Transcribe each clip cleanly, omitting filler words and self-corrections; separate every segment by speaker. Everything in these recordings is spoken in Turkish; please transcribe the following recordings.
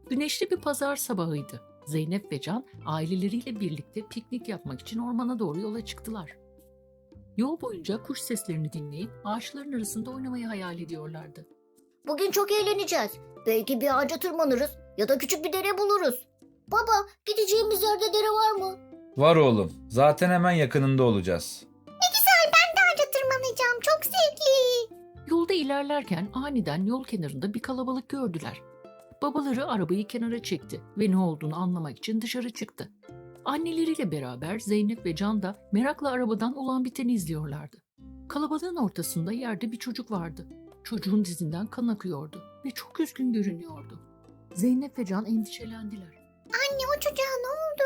Speaker 1: Güneşli bir pazar sabahıydı. Zeynep ve Can aileleriyle birlikte piknik yapmak için ormana doğru yola çıktılar. Yol boyunca kuş seslerini dinleyip ağaçların arasında oynamayı hayal ediyorlardı.
Speaker 2: Bugün çok eğleneceğiz. Belki bir ağaca tırmanırız ya da küçük bir dere buluruz. Baba, gideceğimiz yerde dere var mı?
Speaker 3: Var oğlum. Zaten hemen yakınında olacağız.
Speaker 2: Ağaca tırmanacağım, çok zevkli.
Speaker 1: Yolda ilerlerken aniden yol kenarında bir kalabalık gördüler. Babaları arabayı kenara çekti ve ne olduğunu anlamak için dışarı çıktı. Anneleriyle beraber Zeynep ve Can da merakla arabadan olan biteni izliyorlardı. Kalabalığın ortasında yerde bir çocuk vardı. Çocuğun dizinden kan akıyordu ve çok üzgün görünüyordu. Zeynep ve Can endişelendiler.
Speaker 2: Anne, o çocuğa ne oldu?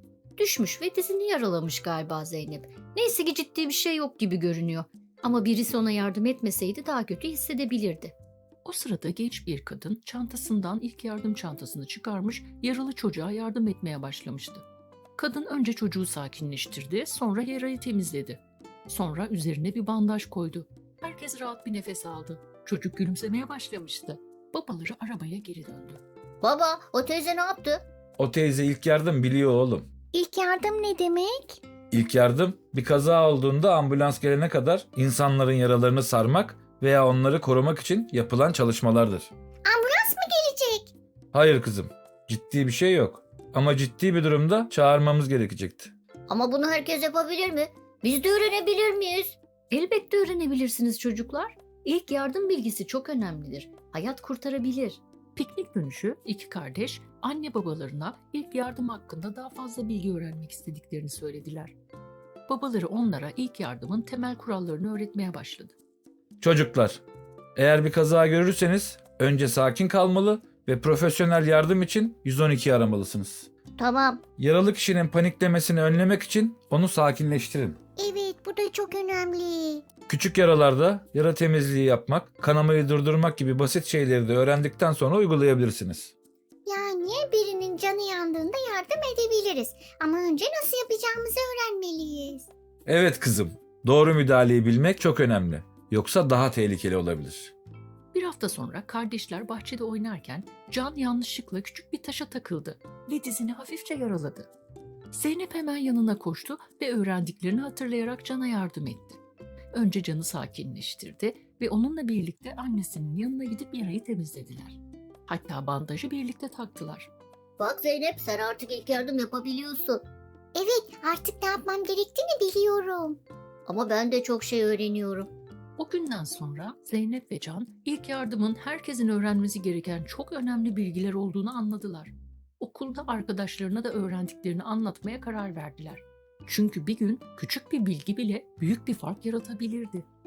Speaker 1: Düşmüş ve dizini yaralamış galiba Zeynep. Neyse ki ciddi bir şey yok gibi görünüyor. Ama birisi ona yardım etmeseydi daha kötü hissedebilirdi. O sırada genç bir kadın çantasından ilk yardım çantasını çıkarmış, yaralı çocuğa yardım etmeye başlamıştı. Kadın önce çocuğu sakinleştirdi, sonra yarayı temizledi. Sonra üzerine bir bandaj koydu. Herkes rahat bir nefes aldı. Çocuk gülümsemeye başlamıştı. Babaları arabaya geri döndü.
Speaker 2: Baba, o teyze ne yaptı?
Speaker 3: O teyze ilk yardım biliyor oğlum.
Speaker 2: İlk yardım ne demek?
Speaker 3: İlk yardım bir kaza olduğunda ambulans gelene kadar insanların yaralarını sarmak veya onları korumak için yapılan çalışmalardır.
Speaker 2: Ambulans mı gelecek?
Speaker 3: Hayır kızım, ciddi bir şey yok. Ama ciddi bir durumda çağırmamız gerekecekti.
Speaker 2: Ama bunu herkes yapabilir mi? Biz de öğrenebilir miyiz?
Speaker 1: Elbette öğrenebilirsiniz çocuklar. İlk yardım bilgisi çok önemlidir. Hayat kurtarabilir. Piknik dönüşü iki kardeş anne babalarına ilk yardım hakkında daha fazla bilgi öğrenmek istediklerini söylediler. Babaları onlara ilk yardımın temel kurallarını öğretmeye başladı.
Speaker 3: Çocuklar, eğer bir kaza görürseniz önce sakin kalmalı ve profesyonel yardım için 112 aramalısınız.
Speaker 2: Tamam.
Speaker 3: Yaralı kişinin paniklemesini önlemek için onu sakinleştirin.
Speaker 2: Evet, bu da çok önemli.
Speaker 3: Küçük yaralarda yara temizliği yapmak, kanamayı durdurmak gibi basit şeyleri de öğrendikten sonra uygulayabilirsiniz.
Speaker 2: Yani birinin canı yandığında yardım edebiliriz. Ama önce nasıl yapacağımızı öğrenmeliyiz.
Speaker 3: Evet kızım, doğru müdahaleyi bilmek çok önemli. Yoksa daha tehlikeli olabilir.
Speaker 1: Bir hafta sonra kardeşler bahçede oynarken Can yanlışlıkla küçük bir taşa takıldı ve dizini hafifçe yaraladı. Zeynep hemen yanına koştu ve öğrendiklerini hatırlayarak Can'a yardım etti. Önce Can'ı sakinleştirdi ve onunla birlikte annesinin yanına gidip yarayı temizlediler. Hatta bandajı birlikte taktılar.
Speaker 2: Bak Zeynep, sen artık ilk yardım yapabiliyorsun. Evet, artık ne yapmam gerektiğini biliyorum. Ama ben de çok şey öğreniyorum.
Speaker 1: O günden sonra Zeynep ve Can ilk yardımın herkesin öğrenmesi gereken çok önemli bilgiler olduğunu anladılar. Okulda arkadaşlarına da öğrendiklerini anlatmaya karar verdiler. Çünkü bir gün küçük bir bilgi bile büyük bir fark yaratabilirdi.